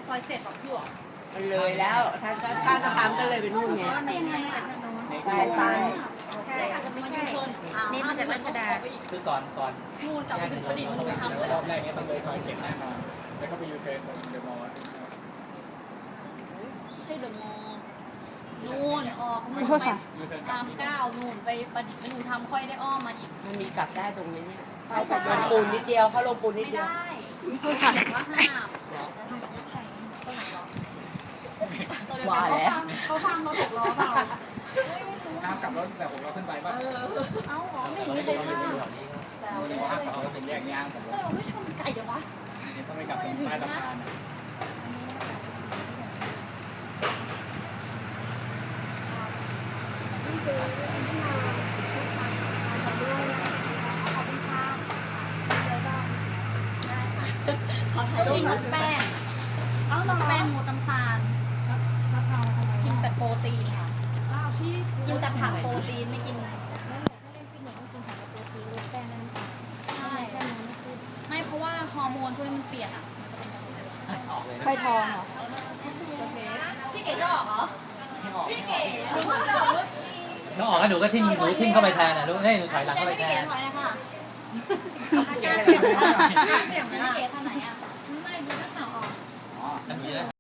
ซอย7 พี่หรอมันเลยแล้วถ้าสะพานก็เลยไปนู่นไงใช่อาจจะไม่ใช่นี่มาจากรัชดาคือก่อนนู่นกลับไปถึงประดิษฐ์มนุษย์ธรรมเลยรอบแรกเนี้ยต้องเลยซอย7แน่นอนแล้วก็ไปยูเทิร์นตรงเดอะมอลล์ไม่ใช่เดอะมอลล์นู่นออกนู่นไปตาม9นู่นไปประดิษฐ์มนุษย์ธรรมค่อยได้อ้อมมาอีกมันมีกลับได้ตรงนี้เนี่ยเขาลงปูนนิดเดียวเขาลงปูนนิดไม่เดียวได้เขียนว่าห้ามตัวไหนหรอว่าแล้วเขาฟังรถ6 ล้อเปล่าห้ามกลับรถแต่ผมเราขึ้นไปป่ะเอ้าหรอไม่เห็นมีใครห้ามห้ามกลับรถเป็นแยกย่างผมเราไม่ทำไก่เดี๋ยววะต้องไปกลับตรงใต้สะพานเขากินงดแป้งแป้งงดน้ำตาลกินแต่โปรตีนค่ะกินแต่ผักโปรตีนไม่กินใช่ไม่เพราะว่าฮอร์โมนช่วงนี้มันเปลี่ยนอ่ะไฟทองเหรอพี่เก๋จะออกเหรอพี่เก๋หนูจะออกรถน้องออกแล้วหนูก็ทิ่มเข้าไปแทนนะลูกให้หนูถอยหลังเข้าไปแทนถอยเลยค่ะเสียงพี่เก๋ท่าไหนอ่ะไม่ดูนักข่าวออก